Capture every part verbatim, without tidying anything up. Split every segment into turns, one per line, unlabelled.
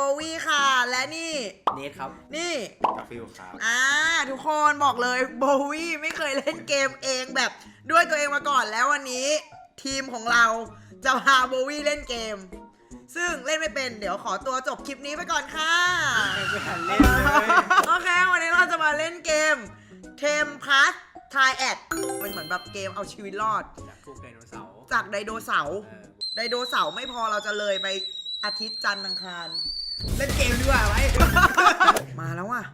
วี่ค่ะและนี่
เนทครับ
นี่
กาฟิลครับ
อ่าทุกคนบอกเลยโบวี่ไม่เคยเล่นเกมเองแบบด้วยตัวเองมาก่อนแล้ววันนี้ทีมของเราจะพาโบวี่เล่นเกมซึ่งเล่นไม่เป็นเดี๋ยวขอตัวจบคลิปนี้ไปก่อนค่ะ
ไม่ทันเล่นเลย
โอเควันนี้เราจะมาเล่นเกมเทมพัสทายแอดมันเหมือนแบบเกมเอาชีวิตรอด
จากพวกไดโนเสาร์
จากไดโนเสาร์
เออ
ไดโนเสาร์ไม่พอเราจะเลยไปอาทิตย์จันทร์อังคาร
เล่นเกมดีกว่าไว้
มาแล้วว่ะ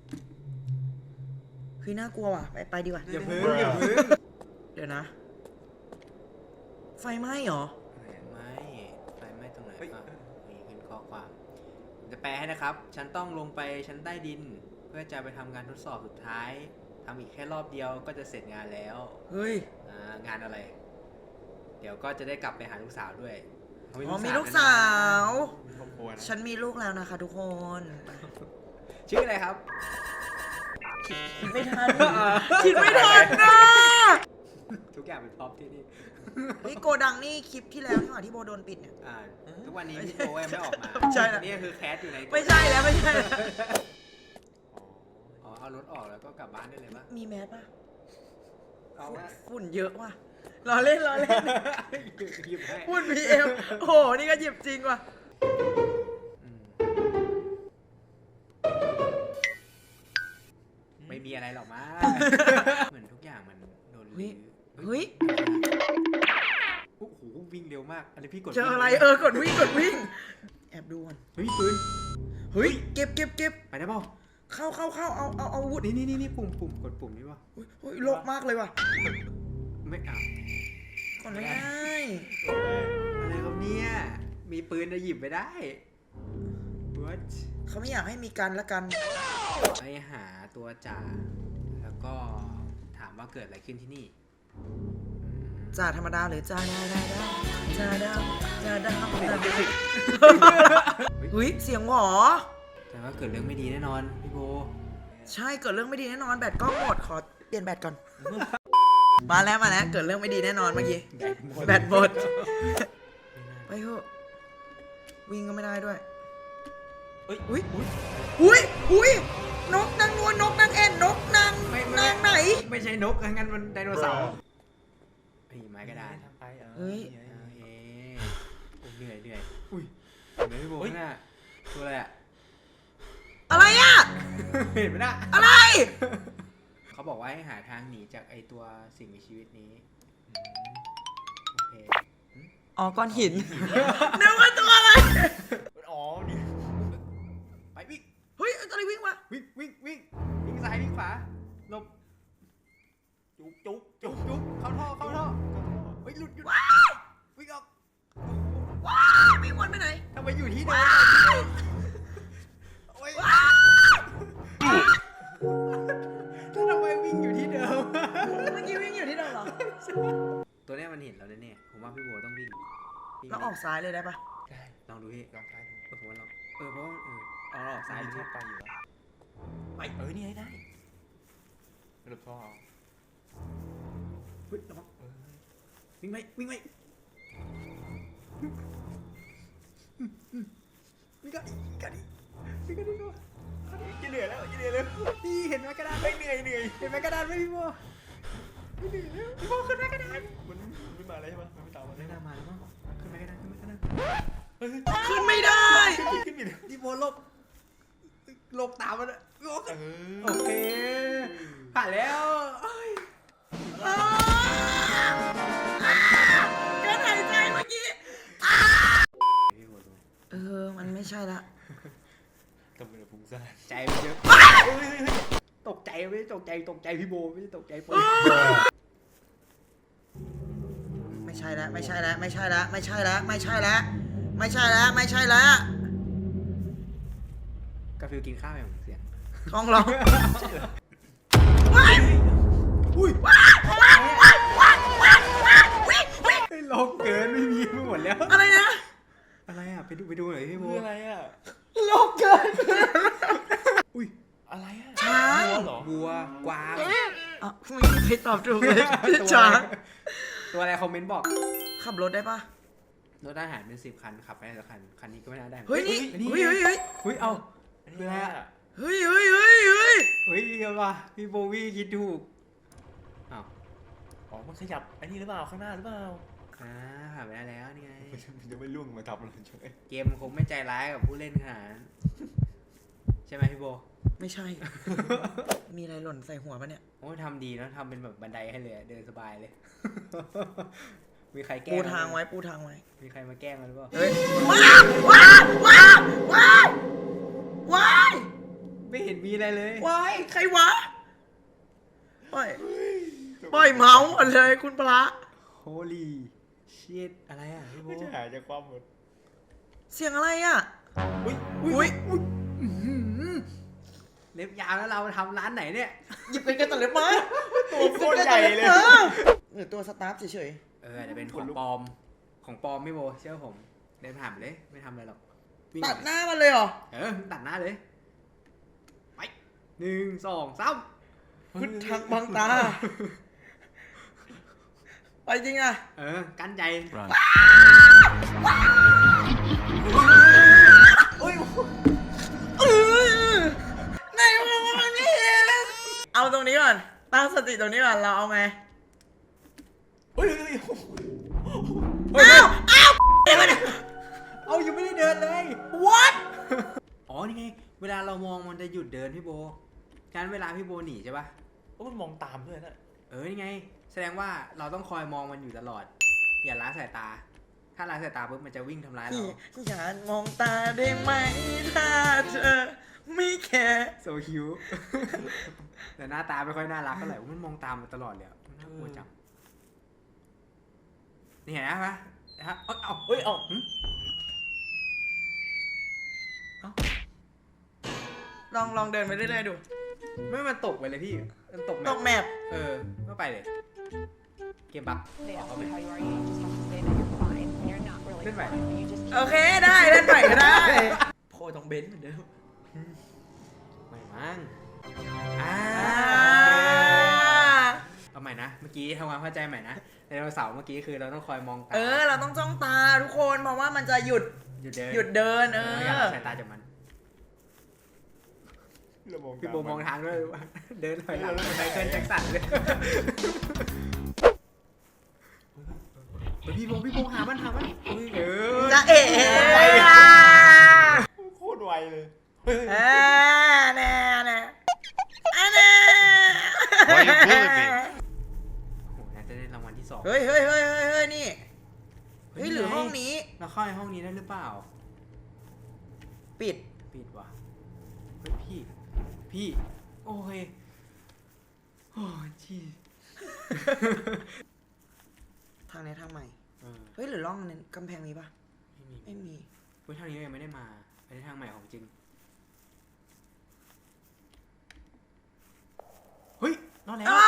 คือน่ากลัวว่ะไปไปดีกว่า
อย่าพึ่งอย่าพึ่ง
เดี๋ยวนะ ไฟไหม้เหรอ
ไม่ไฟไหม้ตรงไหนอ่ะมีขึ้นข้อความจะแปลให้นะครับฉันต้องลงไปชั้นใต้ดิน เพื่อจะไปทำงานทดสอบสุดท้ายทำอีกแค่รอบเดียวก็จะเสร็จงานแล้ว
เฮ้ย
อ่างานอะไร เดี๋ยวก็จะได้กลับไปหาลูกสาวด้วย
อ๋อมีลูกสาว
มีครอบครัวนะ
ฉันมีลูกแล้วนะคะทุกคน
ชื่ออะไรครับ
คิดไม่ทัน คิดไม่ทันนะ
ทุกอย่างเป็นพร็อพที่นี่
เฮ้ยโกดังนี่คลิปที่แล้วนี่หว่าที่โบโดนปิดเนี่ย
อ่าทุกวันนี้พี่โบยังไม่ออกมา
ใช่นะ
นี่คือแคสอยู่ใน
ไม่ใช่แล้วไม่ใช่แล้ว
อ๋อเอารถออกแล้วก็กลับบ้านได้เลยปะ
มีแมสป่ะ
เอาว่า
ฝุ่นเยอะว่ะรอเล่นรอเล่น
หยิบให้
ฝุ่นพีเอ็มโอ้โหนี่ก็หยิบจริงว่ะ
อืมไม่มีอะไรหรอกมั้งเหมือนทุกอย่างมันโดนลื้อ
เฮ้ย
โอ้โหวิ่งเร็วมาก อันนี้พี่กด
เจออะไรเออกดวิ่งกดวิ่งแอบดูก่อน
เฮ้ยปืน
เฮ้ยเก็บเก็บเก็บ
ไปได้เปล่า
เข้าเข้าเข้าเอาเอาเอาอาวุธ
นี่นี่นี่นี่ปุ่มปุ่มกดปุ่มนี่วะ
เฮ้ยเฮ้ยโลกมากเลยว่ะ
ไม่เอา
กดไม่ได้
อะไรครับเนี่ยมีปืนจะหยิบไปได้ What
เขาไม่อยากให้มีกันละกัน
ไปหาตัวจ่าแล้วก็ถามว่าเกิดอะไรขึ้นที่นี่
จ่าธรรมดาหรือจ่าดาวดาวดาวจ่าดาวจ่าดาวจ่าดาวเฮ้ยเสียงหวอ
แต่ว่าเกิดเรื่องไม่ดีแน่นอนพี่โบ
ใช่เกิดเรื่องไม่ดีแน่นอนแบตกล้องหมดขอเปลี่ยนแบตก่อน มาแล้วมาแล้วเกิดเรื่องไม่ดีแน่นอนเมื่อกี้แบตหมดไปเถอะวิ่งก็ไม่ได้ด้วย
เฮ้ย
อุ้ยอุ้ยอุ้ยนกนางนวลนกนางเอ็นนกนาง
ไม่ไม่
นางไหน
ไม่ใช่นกงั้นมันไดโนเสาร์ไอ้ไม้กระดาน
ทำไปเออ
เฮ้ย
โอเคโอ้เหนื่อยเหนื่อยอุ้ยเห็นไหมพี่โบข้างหน้าตัวอะไรอะ
อะไรอ่ะ
เห็นไหมน่ะ
อะไร
เขาบอกว่าให้หาทางหนีจากไอตัวสิ่งมีชีวิตนี้โอเค
อ๋อก้อนหินนึกว่าตัวอะไร
อ๋อนี่ไปวิ่ง
เฮ้ยอะไรวิ่งมา
วิ่งวิ่งวิ่งวิ่งซ้ายวิ่งขวาหลบจุกจุกจุกจุกเข้าท่อเข้าท่อเฮ้ยหลุดหยุดวิ่งออก
ว้าววิ่งวนไปไหน
ทำไมอยู่ที่เดิมโอ้ยทำไมวิ่งอยู่ที่เดิม
เมื่อกี้วิ่งอยู่ที่เดิมเหรอ
ตัวเนี้ยมันเห็นเราแน่ๆผมว่าพี่โบต้องวิ่งวิ่ง
แล้วออกซ้ายเลยได้ปะ
ได้
ลองดูพี่
ลองซ้ายดู
เออผมว่าลองเออเพราะว่าเออเอาเราออกซ้า
ซ้าย ย
ดู
ชอบไปอยู่แล้ว
ไป
เออนี่ให้ได้หลุดท่อเอา
เฮ้ยระวัง
เออ
วิ่งไปวิ่งไปวิ่งกันวิ่งกันวิ่งกันวิ่งกันจะเหนื่อยแล้วจะเหนื่อยแล้วนี่เห็นไหมกระดานไม่เหนื่อยเหนื่อยเห็นไหมกระดานไม่พี่โบไม่เหนื่อยแล้วพี่โบขึ้นไหมกระดาน
มันไม่มาเลยใช่ไหมมันไม่ตามมาเล
ไม่
ย
น่ามาแล้วมั้งขึ้นไหมกระดานขึ้นไหมกระดาน
เฮ้ย
ขึ้นไม่ได้
ขึ้นอีกแล้ว
พี่โบหลบหลบตามมันอะพี่โบ
เอ
โอ
อ
เคผ่านแล้วเอ้ย
อ้าวการหายใจเมื่อกี้
พี่โบดู
เออมันไม่ใช่ละ
กำลังจะพุ่งซ่าน
ใจมันเยอะตกใจไม่ได้ตกใจตกใจพี่โบไม่ได้ตกใจปืน
ไม่ใช่แล้วไม่ใช่แล้วไม่ใช่แล้วไม่ใช่แล้วไม่ใช่แล้วไม่ใช่แล้วไม่ใช่แล้ว
กาฟิลกินข้าวอย่างเสียง
ท้องร้องว้าย
อุ้ย
ว้ายว้ายว้ายว้ายว้ายว้ายวิ่งวิ่ง
ไอ้โลกเกินไม่มีไปหมดแล้ว
อะไรนะ
อะไรอ่ะไปดูไปดูหน่อยพี่โบ
คืออะไรอ่ะ
โลกเกิน
อุ้ย
อะไรอ่ะ
ช้าง
วัวเหรอ
วัวกวาง
อ่ะไม่มีใครตอบถูกเลยช้าง
ตัวอะไรคอมเมนต์บอก
ขับรถได้ปะ
รถทหารเป็นสิบคันขับไปได้สักคันคันนี้ก็ไม่น่าได้
เฮ้ยนี่
นี่
เฮ้ยเฮ้ยเฮ้ย
เฮ้ยเอา
อัน
เพื่
นี้
อ
อะ
เฮ้ยเฮ้ยเฮ้ยเฮ้ย
เฮ้ยเดี๋ยวว่ะพี่โบวี่คิดถูกอ้าว
อ๋อมันขยับอันนี้หรือเปล่าข้างหน้าหรือเปล่า
อ่าผ่านไปได้แล้วนี่ไง
มันจะไม่ล่วงมาทับเราใช่ไหม
เกมมันคงไม่ใจร้ายกับผู้เล่นขนาดนั้นใช่ไหมพี่โบ
ไม่ใช่ มีอะไรหล่นใส่หัวปะเนี่ย
โอ้ยทำดีนะทำเป็นแบบบันไดให้เลยเดินสบายเลย มีใครแกล้
ปู
ง
ทางไว้ปูทางไว้
มีใครมาแกล้งมันหรือเปล่า
เฮ้ยว้าวว้าวว้าวว้าวว้าว
ไม่เห็นมีอะไรเลย
ว้ายใครวะปล่อยปล่อยเมาส์หมดเลยคุณพระ
โฮลี่ชิตอะไรอ่ะพี่โบ
ไม่จะหายจากความหมด
เสียงอะไรอ่ะ
อุ้ย
อุ้ย
อื้อหือเล็บยาวแล้วเราทำร้านไหนเนี่ย
หยิบกันกันตัดเล็บมา
ตัวโคตรใหญ่เลย
หรือตัวสตาฟเฉย
เอออาจจะเป็นของปลอมของปลอมพี่โบเชื่อผมเดินผ่านไปเลยไม่ทำอะไรหรอกวิ่ง
ๆตัดหน้ามันเลยเหรอ
เออตัดหน้าเลยไปหนึ่งสองสาม
พุทธังบังตา ไปจริงอ่ะ
เออกั้นใจ
อุ้ยเออไหนวะมันไม่เห็นเอาตรงนี้ก่อน ตั้งสติตรงนี้ก่อน เราเอาไง
เฮ้ยเฮ้ย
อ้าวอ้าวเดี๋ยวก่อนนะ
เอายังไม่ได้เดินเลย
what
อ๋อนี่ไงเวลาเรามองมันจะหยุดเดินพี่โบการเวลาพี่โบหนีใช่ปะ
โอ้มันมองตามด้วยนะ
เออนี่ไง แสดงว่าเราต้องคอยมองมันอยู่ตลอด อย่าละสายตา ถ้าละสายตาปุ๊บมันจะวิ่งทำร้ายเรา
อย่ามองตาได้ไหมถ้าเธอไม่แคร์
โซคิว แต่หน้าตาไม่ค่อยน่ารักเท่าไหร่มันมองตามมันตลอดเลยอะมันน่ากลัวจังนี่เห็นไหมปะฮะเอ้าเอ้า
เฮ้ยเอ้า
หึ
ลองลองเดินไปเรื่อยๆดู
ไม่มันตกไปเลยพี่มันตก
ตกแมพ
เออก็ไปเลย เกมบัก
They
ออก
ask
เข้าไป
you how you are, you just have to say that you're fine, and you're not really
Lên vậy.
fine. You just
โอเคได้เล่นใหม่ก็ได้ โพยตรงเบนซ์เหมือนเดิม
ไม่มั้งอ่า
อ่า
เอาใหม่นะ เมื่อกี้ทำความเข้าใจใหม่นะไดโนเสาร์เมื่อกี้คือเราต้องคอยมองตา
เออ เราต้องจ้องตาทุกคนเพราะว่ามันจะหยุด
หยุดเดิน
หยุดเดินเอ
อย่า
อ
ละสายตาจากมัน
เรามอง
พี่โบมองทางด้วยว่าเดินถอยหลังไมเคิลแจ็คสันเลยเฮ้ยพี่โบพี่โบหามันหามันเออ
จะเอ๋
โคตรไวเลยเฮ้ย
เออแน่แน่อันแน่
Why you bullying me?
โอ้โหน่าจะได้รางวัลที่สอง
เฮ้ยเฮ้ยเฮ้ยเฮ้ยเฮ้ยนี่เฮ้ยหรือห้องนี้
เราเข้าในห้องนี้ได้หรือเปล่า
ปิด
ปิดว่ะเฮ้ยพี่ พี่ โอ้ยโอ้ยจี
ทางนี้ทางใหม่
เออ
เฮ้ยหรือร่องนั้นกำแพงนี้ปะ
ไม่มี
ไม่มี
เฮ้ยทางนี้ยังไม่ได้มาไปทางใหม่ของจริง เฮ้ยรอดแล้ว
อ้า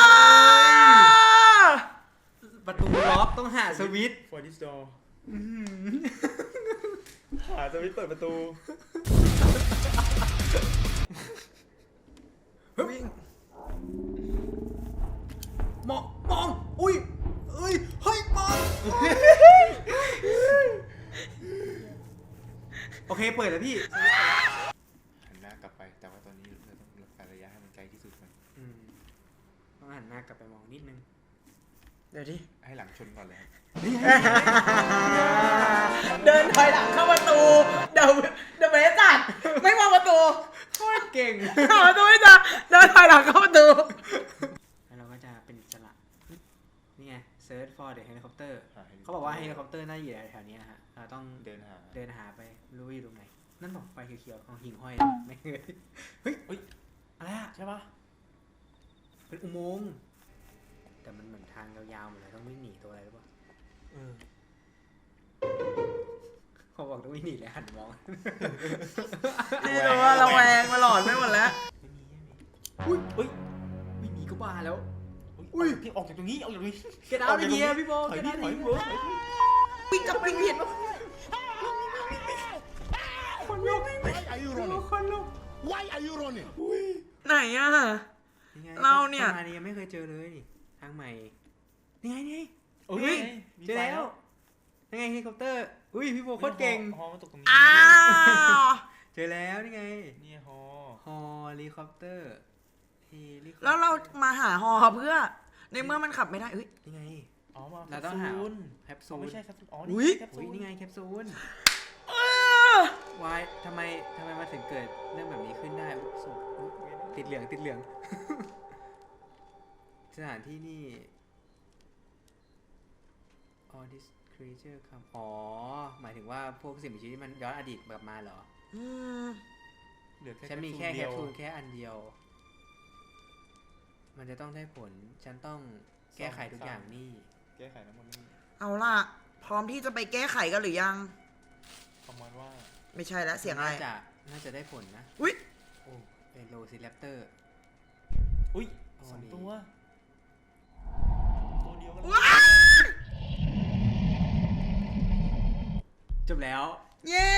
ประตูล็อกต้องหาสวิตช์
ฟอร์ดิสดอร์
อื้อหือ
หาสวิตช์เปิดประตู
วิ่ง
มองมองอุ้ยเอ้ยเฮ้ยมองโอเคเปิดแล้วพี่
หันหน้ากลับไปแต่ว่าตอนนี้เราต้องรักษาระยะให้มันไกลที่สุดมัน
อืมต้องหันหน้ากลับไปมองนิดนึง
เดี๋ยวดิ
ให้หลังชนก่อนเลยครับ
เดินถอยหลังเข้าประตู เดี๋ยวเดี๋ยวไม่ได้จัดไม่มองประตู
โคตรเก่ง
เข้าประตูไม่จัดเดินถอยหลังเข้าประตู
แล้วเราก็จะเป็นอิสระนี่ไง search for the helicopter
หลิคปตร์
เขาบอกว่าเฮลิคอปเตอร์น่าอยู่แถวๆนี้นะฮะ เราต้อง
เดินหา
เดินหาไปไม่รู้ว่าอยู่ตรงไหน นั่นบอกไฟเขียวๆของหิ่งห้อยไม่เคยเฮ้ยเฮ้ย อะไรอะ
ใช่ปะ
เป็นอุโมงค์แต่มันเหมือนทางยาวๆเหมือนเราต้องวิ่งหนีตัวอะไรหรือเปล่า
เออ
เขาบอกต้องวิ่งหนีเลยหันมอง
นี่รู้ว่าระแวงมาหลอนไม่หมดแล้ว
ไม่มีไม่มีอุ้ยเฮ้ยวิ่งหนีก็บ้าแล้ว
อุ้ยพี่ออกจากตรงนี้ออกจากตรงนี้
เก็ตเอาท์ไอเดียพี่โบ
ถอย
เก็ต
พี่
เอาท์
ถ
ไอ
อย
เดี
พี่
ย
เบิร์ด
วิ่งกับวิ่งผิด
คนลุก
Why are you running?
คนลุก
Why are you running?
ไหนอ่ะ
ไง
เราเนี่ย
ทางนี้ยังไม่เคยเจอเลยนี่ทางใหม่ นี่ไงนี่ไง
โอ้
เฮ้ย
มี
เจอ
ไฟ
แล้วยังไงเฮลิคอปเตอร์อุ้ยพี่โบโคตรเก่ง
ฮอมันตกตรงนี้
อ้าว
เจอแล้วนี่ไง
นี่ฮอ
ฮอลิคอปเตอร์เฮลิคอปตอ
แล้วเรามาหาฮอเพื่อ ในเมื่อมันขับไม่ได้เอ้ย
นี่ไง
อ๋อมา
เราต้องหา
แคปซูล
แคป
อ๋
ซู
อ
ล
ไม่ใช่แคปซูลอ๋อ
อุ๊ย
แคปซู
อุ้ย
ล
นี่ไงแคปซูล
เออ
วายทำไมทำไมมาถึงเกิดเรื่องแบบนี้ขึ้นได้อุ๊ยศพอุ๊ยติดเหลืองติดเหลือง สถานที่นี่ all this creature come อ๋อ หมายถึงว่าพวกสิ่งมีชีวิตที่มันย้อนอดีตกลับมาเหรอ
อืม
เหลือแค่
ฉันมีแค่
เดี
แค
ยว
ปซูลแค่อันเดียว มันจะต้องได้ผล ฉันต้องแก้ไขทุกอย่างนี่
แก้ไขทั้งหมดนี่
เอาล่ะ พร้อมที่จะไปแก้ไขกันหรือยัง
ประมาณว่า
ไม่ใช่แล้วเสียงอะไร
น่าจะน่าจะได้ผลนะ
อุ๊ย
โอ้เอโลซิแรปเตอร์
อุ้ย
อ๋อ
สอง
นี่
ตัว ตัวเดียวกัน
ว้าย
จบแล้ว
เย้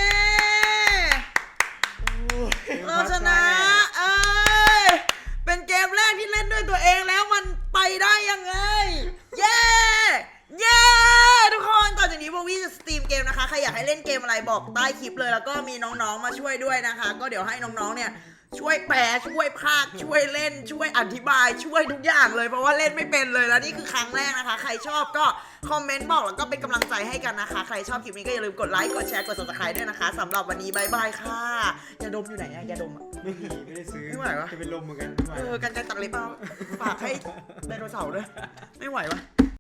เราชนะ เอ้ย เป็นเกมแรกที่เล่นด้วยตัวเองแล้วมันไปได้ยังไง เย้ เย้ ทุกคนต่อจากนี้โบวี่จะสตรีมเกมนะคะ ใครอยากให้เล่นเกมอะไรบอกใต้คลิปเลย แล้วก็มีน้องๆมาช่วยด้วยนะคะ ก็เดี๋ยวให้น้องๆเนี่ยช่วยแปลช่วยพากย์ช่วยเล่น ช่วยอธิบาย ช่วยทุกอย่างเลยเพราะว่าเล่นไม่เป็นเลยแล้วนี่คือครั้งแรกนะคะ ใครชอบก็คอมเมนต์บอกแล้วก็เป็นกำลังใจให้กันนะคะ ใครชอบคลิปนี้ก็อย่าลืมกดไลค์กดแชร์กด ซับสไครบ์ ด้วยนะคะสำหรับวันนี้บายบายค่ะยาดมอยู่ไหนอะยาดมอะ
ไม่มีไม่ได้ซื้อ
ไม่ไหววะ
จะเป็นลมเหมือนกันไม่ไหว
เออกันไกรตัดเล็บเอาฝากให้ไดโนเสาร์ด้วยไม่ไหววะ